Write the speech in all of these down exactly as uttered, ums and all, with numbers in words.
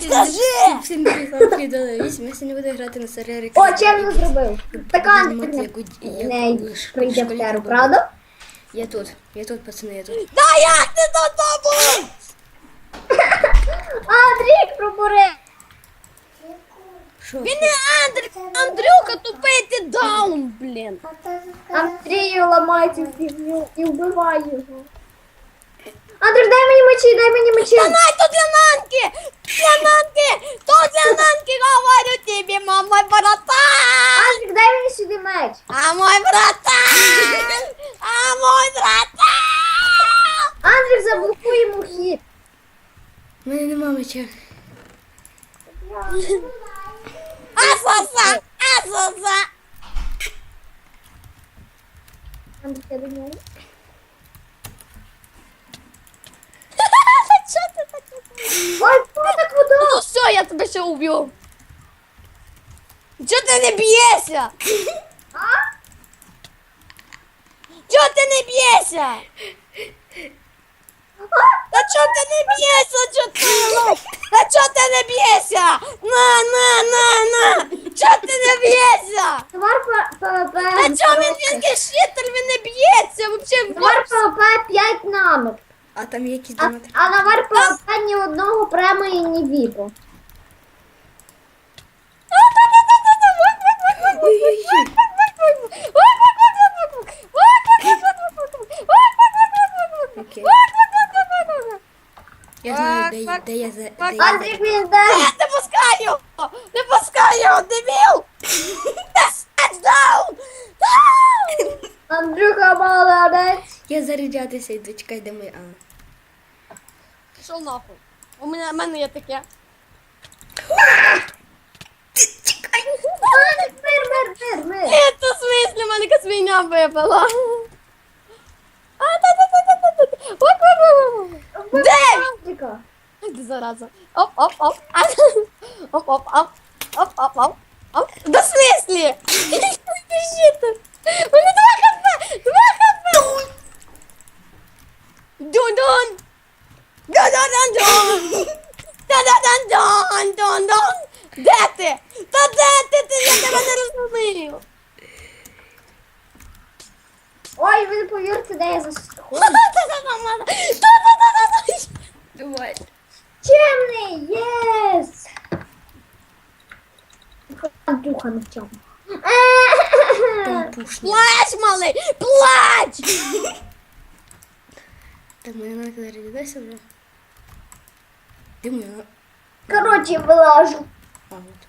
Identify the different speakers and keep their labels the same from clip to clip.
Speaker 1: Скажи!
Speaker 2: Всім привіт, вам Фрідо вісім. Я сьогодні буду грати на сервері.
Speaker 1: О, чим не зробив? Так Андрій не,
Speaker 2: Яку- яку
Speaker 1: не
Speaker 2: ш-
Speaker 1: прийде в
Speaker 2: школі
Speaker 1: теру,
Speaker 2: робив.
Speaker 1: правда?
Speaker 2: Я тут, я тут, пацани, я тут.
Speaker 3: Да як ти до тобою?
Speaker 1: Андрій, пробури!
Speaker 2: Що?
Speaker 3: Він не Андрій, Андрюха тупий, ти даун, блін.
Speaker 1: Андрію ламай цю фігню і вбивай його. Андрій, дай мені мечі, дай мені мечі.
Speaker 3: Та най, то для Нанки! Для Нанки! То для Нанки, говорю тобі, мам, мой братан!
Speaker 1: Андрій, дай мені сюди меч.
Speaker 3: А мой братан! А мой братан!
Speaker 1: Андрій, заблокуй йому хід.
Speaker 2: У мене нема меча.
Speaker 3: Асоса! Асоса!
Speaker 1: Андрій, я до нього.
Speaker 3: Чого ти так робиш?
Speaker 1: Ой, так
Speaker 3: Ну
Speaker 1: вода.
Speaker 3: все, я тебе ще уб'ю. Чого ти не б'єшся?
Speaker 1: А?
Speaker 3: Чого ти не б'єшся? Та чого ти не б'єшся? Чого ти лох? Та чого ти не б'єшся? На, на, на, на! Чого ти не б'єшся?
Speaker 1: Товар ПВП.
Speaker 3: Та чого він він щитер, він не б'ється? Вообще,
Speaker 1: Товар ПВП п'ять намет.
Speaker 2: А там є якісь
Speaker 1: А,
Speaker 2: донати.
Speaker 1: а на вар ПВП ні одного према і ні віпу.
Speaker 2: Ой-ой-ой. Окей. Я знаю, де, я- де я за... Де я
Speaker 1: Андрій,
Speaker 2: за...
Speaker 1: він дай.
Speaker 3: Не пускай його! Не пускай його, дебіл! Stand down!
Speaker 1: Андрюха, молодець.
Speaker 2: Я заряджатися йду, чекай, де моя... А.
Speaker 3: Пішов нахуй. У мене, у мене є таке.
Speaker 1: Андрій, мир, мир, мир, мир.
Speaker 3: Это в смысле, мене якась свиня випала. А, та-та-та-та-та-та. Оп-оп-оп. Де?
Speaker 1: Андріка.
Speaker 3: Ти зараза. Оп-оп-оп. Оп-оп-оп. Оп-оп-оп. Оп. Да в смысле? Ти щитер. У мене два хп. Два хп. Дун-дун. Дун-дун-дун-дун. Та-да-дан-дун-дун-дун. Де ти? Та де ти? Ти я тебе не розумію.
Speaker 1: Ой, ви не повірите, де я засхожу.
Speaker 2: Давай.
Speaker 1: Чемний, єс! Андрюха на чому?
Speaker 2: Пампушний.
Speaker 3: Плач, малий, плач!
Speaker 2: Так, моя навіть зарядилася вже. Де моя?
Speaker 1: Короче, вилажу.
Speaker 2: А, от.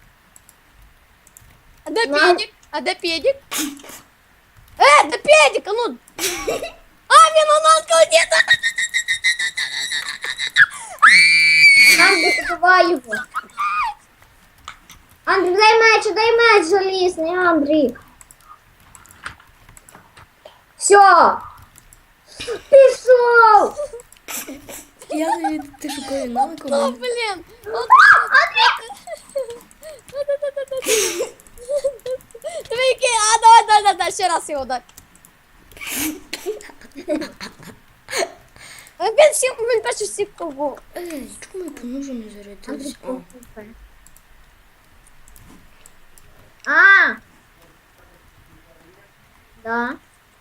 Speaker 3: А де
Speaker 1: На.
Speaker 3: педик? А де педик? Е, де педик? А ну! А, він у нас кладе!
Speaker 1: Андрій, забивай його. Андрій, дай меч, дай меч залізний, Андрій. Все. Пішов.
Speaker 2: Я тобі, ти шукаю навику.
Speaker 3: О, блін! Диви, який, а, давай, давай, давай, давай, ще раз його дай. Він всіх, він перший всіх кого.
Speaker 2: Ей, чому я по ножу не зарядилась? А.
Speaker 1: А. Да.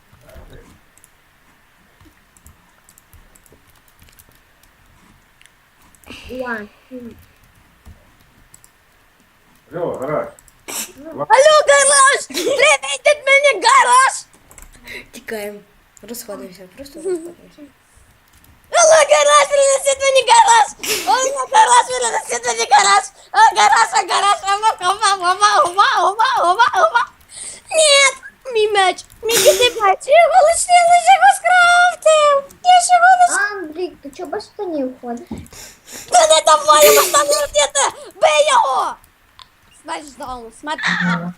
Speaker 1: One, two.
Speaker 4: Алло, гараж.
Speaker 3: Алло, гараж! Привіт від мене, гараж!
Speaker 2: Тікаємо. Розходимося, просто розходимося.
Speaker 3: Алло, гараж, принесіть мені гараж! Алло, гараж, принесіть мені гараж! А, гараж, а, гараж, ова, ова, ова, ова, ова, ова, ова! Нет! Мій меч! Мій кити меч! Я його лише, я лише його скрафтив! Я ж його лише...
Speaker 1: Андрій, ти чого без штанів ходиш?
Speaker 3: Та не давай йому там летіти! Бий його! Смерть даун, смерть даун.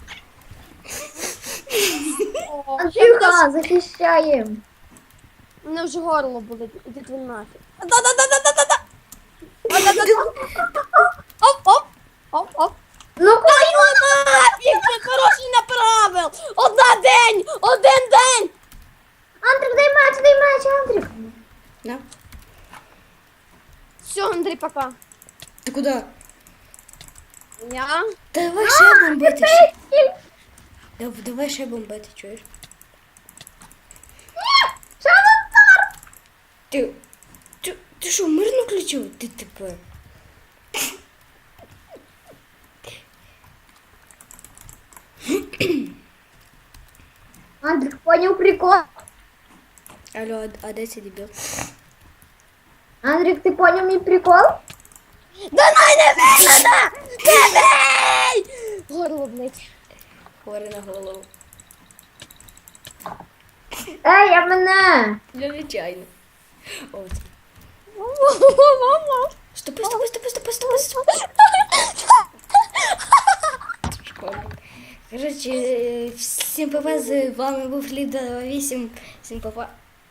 Speaker 3: О,
Speaker 1: Андрюха, захищаємо.
Speaker 3: мене вже горло болить, ідіть ви нафіг. Да-да-да-да-да-да! Оп, оп, оп, оп.
Speaker 1: Ну,
Speaker 3: Та його нафіг, це хороший направил! Одна день, один день!
Speaker 1: Андрій, дай меч, дай меч, Андрій.
Speaker 2: Да?
Speaker 3: Все, Андрій, пока.
Speaker 2: Так куди?
Speaker 3: Я?
Speaker 2: Давай ще бомбити. ще. Дав- Давай ще бомбити, чуєш?
Speaker 1: Що за цар?
Speaker 2: Ти, ти, ти що, мирно включив? Ти типу.
Speaker 1: Андрюх, понял прикол?
Speaker 2: Алло, а, а де цей дебіл?
Speaker 1: Андрюх, ты понял мой прикол?
Speaker 3: Да най не бей мене! Не бей! Горло, блядь.
Speaker 2: Хворий на голову.
Speaker 1: Ей, я мене!
Speaker 2: Я нечайно. О, це.
Speaker 3: Мама.
Speaker 2: Стопи, стопи, стопи, стопи, стопи, стопи. Шкода. Коротше, всім па-па, з вами був Ліда вісім. Всім па-па.